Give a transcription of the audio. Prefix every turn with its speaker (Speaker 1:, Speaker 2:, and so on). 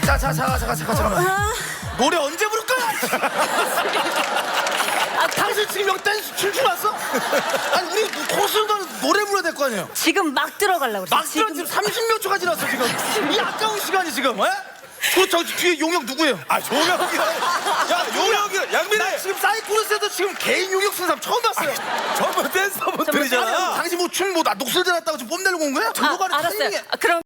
Speaker 1: 잠깐만. 노래 언제 부를 거야? 당신 지금 여기 댄스 춤추 왔어? 아니 우리 콘서트 노래 불러야 될 거 아니에요?
Speaker 2: 지금 막 들어가려고 그래.
Speaker 1: 막 지금 30몇 초가 지났어 지금. 이 아까운 시간이 지금. 에? 저 뒤에 용역 누구예요?
Speaker 3: 아 용역이야. 야 용역이 양민아.
Speaker 1: 지금 사이코로스에도 지금 개인 용역 쓰는 사람 처음 봤어요.
Speaker 3: 전부 댄서분들이잖아.
Speaker 1: 당신 뭐 춤 뭐 녹슬지 않았다고 지금 뽐내려고 온 거야? 들고 가는
Speaker 2: 알았어요.
Speaker 1: 타이밍에.
Speaker 2: 그럼